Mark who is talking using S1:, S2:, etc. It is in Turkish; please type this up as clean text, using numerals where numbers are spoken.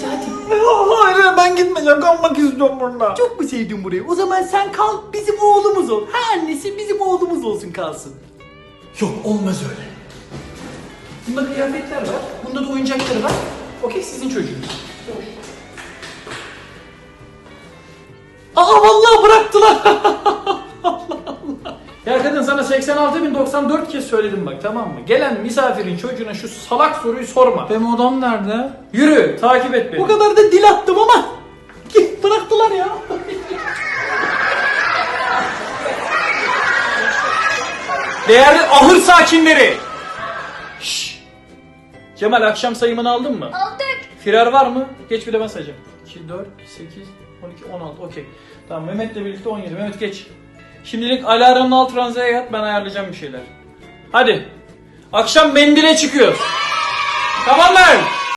S1: hadi.
S2: Hayır ben gitmeyeceğim, kalmak istiyorum burada.
S1: Çok mu sevdin burayı? O zaman sen kal, bizim oğlumuz ol. Her annesi bizim oğlumuz olsun, kalsın.
S2: Yok, olmaz öyle.
S1: Bunda kıyafetler var, bunda da oyuncakları var. Okey, sizin çocuğunuz. Aa vallahi bıraktılar.
S2: Ya kadın, sana 86.094 kez söyledim bak, tamam mı? Gelen misafirin çocuğuna şu salak soruyu sorma.
S1: Benim odam nerede?
S2: Yürü, takip et beni.
S1: Bu kadar da dil attım ama bıraktılar ya.
S2: Değerli ahır sakinleri. Şşş. Cemal, akşam sayımını aldın mı?
S3: Aldık.
S2: Firar var mı? Geç, bir de ben sayacağım. 2, 4, 8, 12, 16. Okey. Tamam, Mehmet'le birlikte 17. Mehmet geç. Şimdilik alarmın alt ranzaya yat, ben ayarlayacağım bir şeyler. Hadi. Akşam mendile çıkıyoruz. Tamam mı?